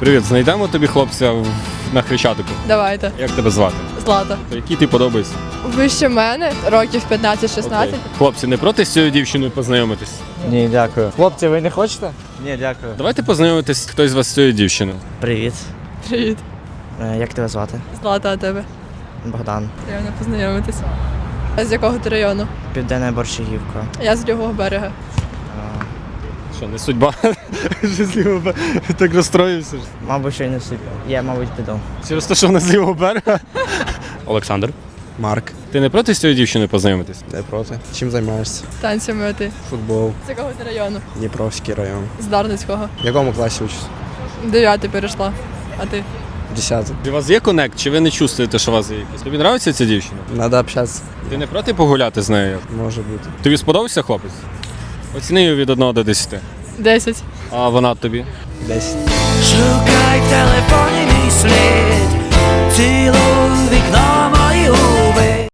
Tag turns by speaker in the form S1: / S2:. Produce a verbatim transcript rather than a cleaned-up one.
S1: Привіт, знайдемо тобі хлопця в- на Хрещатику.
S2: Давайте.
S1: Як тебе звати?
S2: Злата.
S1: Який ти подобається?
S2: Вище мене, років п'ятнадцять-шістнадцять.
S1: Окей. Хлопці, не проти з цією дівчиною познайомитись?
S3: Ні, дякую. Хлопці, ви не хочете? Ні, дякую.
S1: Давайте познайомитись хтось з вас з цією дівчиною.
S3: Привіт.
S2: Привіт.
S3: Е, Як тебе звати?
S2: Злата, а тебе?
S3: Богдан.
S2: Приємно познайомитися. А з якого ти району?
S3: Південна Борщагівка.
S2: Я з лівого берега.
S3: Е,
S1: Що, не судьба? Що з лівого берега? Так розстроївся. ж.
S3: Мабуть, що й не суть. Я, мабуть, піду.
S1: Через те, що вона з лівого берега.
S4: Олександр. Марк.
S1: Ти не проти з цією дівчиною познайомитись?
S4: Не проти. Чим займаєшся?
S2: Танцями, а ти?
S4: Футбол.
S2: З якого ти району?
S4: Дніпровський район.
S2: З Дарницького.
S4: В якому класі учишся?
S2: Дев'ятий перейшла. А ти?
S4: Десятий.
S1: У вас є коннект, чи ви не чувствуєте, що у вас є якийсь? Тобі подобається ця дівчина?
S4: Надо общатися.
S1: Ти не проти погуляти з нею?
S4: Може бути.
S1: Тобі сподобався хлопець? Оціни її від одного до десяти.
S2: Десять.
S1: А вона тобі?
S4: Десять.
S5: Шукай в телефоні